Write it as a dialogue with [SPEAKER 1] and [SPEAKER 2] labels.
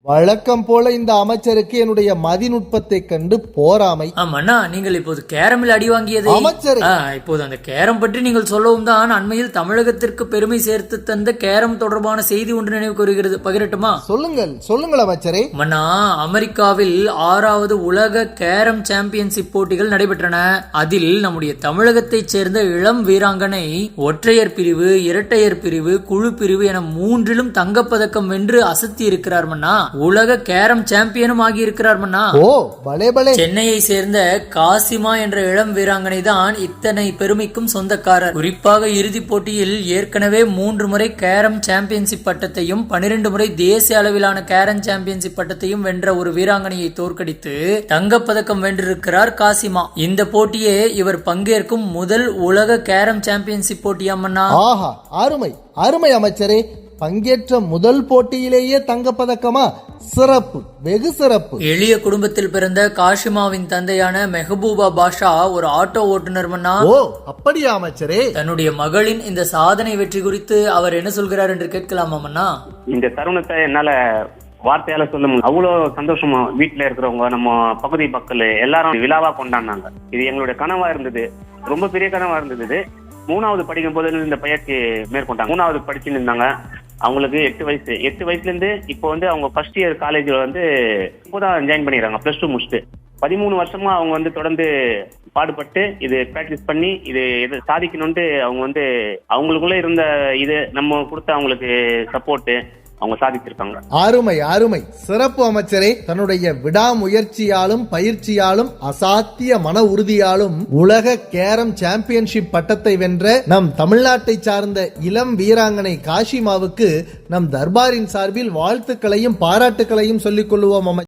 [SPEAKER 1] வழக்கம் போல இந்த அமைச்சருக்கு என்னுடைய மதிநுட்பத்தை கண்டு போராமை.
[SPEAKER 2] மன்னா, நீங்கள் இப்போது கேரமில் அடி வாங்கியது
[SPEAKER 1] அமைச்சர்.
[SPEAKER 2] இப்போது அந்த கேரம் பற்றி நீங்கள் சொல்லவும் தான் அண்மையில் தமிழகத்திற்கு பெருமை சேர்த்து தந்த கேரம் தொடர்பான செய்தி ஒன்று நினைவு கூறுகிறது. பகிரட்டுமா?
[SPEAKER 1] சொல்லுங்கள் அமைச்சரே.
[SPEAKER 2] மன்னா, அமெரிக்காவில் 6வது உலக கேரம் சாம்பியன்ஷிப் போட்டிகள் நடைபெற்றன. அதில் நம்முடைய தமிழகத்தைச் சேர்ந்த இளம் வீராங்கனை ஒற்றையர் பிரிவு, இரட்டையர் பிரிவு, குழு பிரிவு என 3லும் தங்கப்பதக்கம் வென்று அசத்தி இருக்கிறார் மன்னா. உலக கேரம் சாம்பியனும் ஆகி இருக்கிறார் மன்னா. சென்னையை சேர்ந்த காசிமா என்ற இளம் வீராங்கனை தான் இத்தனை பெருமைக்கும் சொந்தக்காரர். குறிப்பாக இறுதிப் போட்டியில் ஏற்கனவே 3 முறை கேரம் சாம்பியன்ஷிப் பட்டத்தையும் 12 முறை தேசிய அளவிலான கேரம் சாம்பியன்ஷிப் பட்டத்தையும் வென்ற ஒரு வீராங்கனையை தோற்கடித்து தங்கப்பதக்கம் வென்றிருக்கிறார் காசிமா. இந்த போட்டியே இவர் பங்கேற்கும் முதல் உலக கேரம் சாம்பியன்ஷிப் போட்டியாமன்னா.
[SPEAKER 1] அருமை அருமை அமைச்சரே. பங்கேற்ற முதல் போட்டியிலேயே தங்கப்பதக்கமா? சிறப்பு, வெகு சிறப்பு.
[SPEAKER 2] எளிய குடும்பத்தில் பிறந்த காஷிமாவின் தந்தையான மெஹபூபா பாஷா ஒரு ஆட்டோ ஓட்டுநர் மன்னா.
[SPEAKER 1] அப்படியா அமைச்சரே?
[SPEAKER 2] தன்னுடைய மகளின் இந்த சாதனை வெற்றி குறித்து அவர் என்ன சொல்கிறார் என்று கேட்கலாமா மன்னா?
[SPEAKER 3] இந்த தருணத்தை என்னால வார்த்தையால சொல்ல முடியும். அவ்வளவு சந்தோஷமா வீட்டுல இருக்கிறவங்க, நம்ம பகுதி மக்கள் எல்லாரும் விழாவா கொண்டாடினாங்க. இது எங்களுடைய கனவா இருந்தது, ரொம்ப பெரிய கனவா இருந்தது. 3வது படிக்கும் போது இந்த பயிற்சி மேற்கொண்டாங்க. 3வது படிச்சுன்னு இருந்தாங்க. அவங்களுக்கு 8 வயசு. 8 வயசுல இருந்து இப்போ அவங்க ஃபர்ஸ்ட் இயர் காலேஜ்ல இப்போதான் ஜாயின் பண்ணிடுறாங்க, +2 முடிச்சுட்டு. 13 வருஷமா அவங்க தொடர்ந்து பாடுபட்டு இது பிராக்டிஸ் பண்ணி இது சாதிக்கணும்ட்டு அவங்க அவங்களுக்குள்ள இருந்த இது நம்ம கொடுத்த அவங்களுக்கு சப்போர்ட் அவங்க சாதிச்சிருக்காங்க.
[SPEAKER 1] அருமை அருமை, சிறப்பு அமைச்சரே. தன்னுடைய விடாமுயற்சியாலும் பயிற்சியாலும் அசாத்திய மன உறுதியாலும் உலக கேரம் சாம்பியன்ஷிப் பட்டத்தை வென்ற நம் தமிழ்நாட்டை சார்ந்த இளம் வீராங்கனை காஷிமாவுக்கு நம் தர்பாரின் சார்பில் வாழ்த்துக்களையும் பாராட்டுக்களையும் சொல்லிக் கொள்வோம்.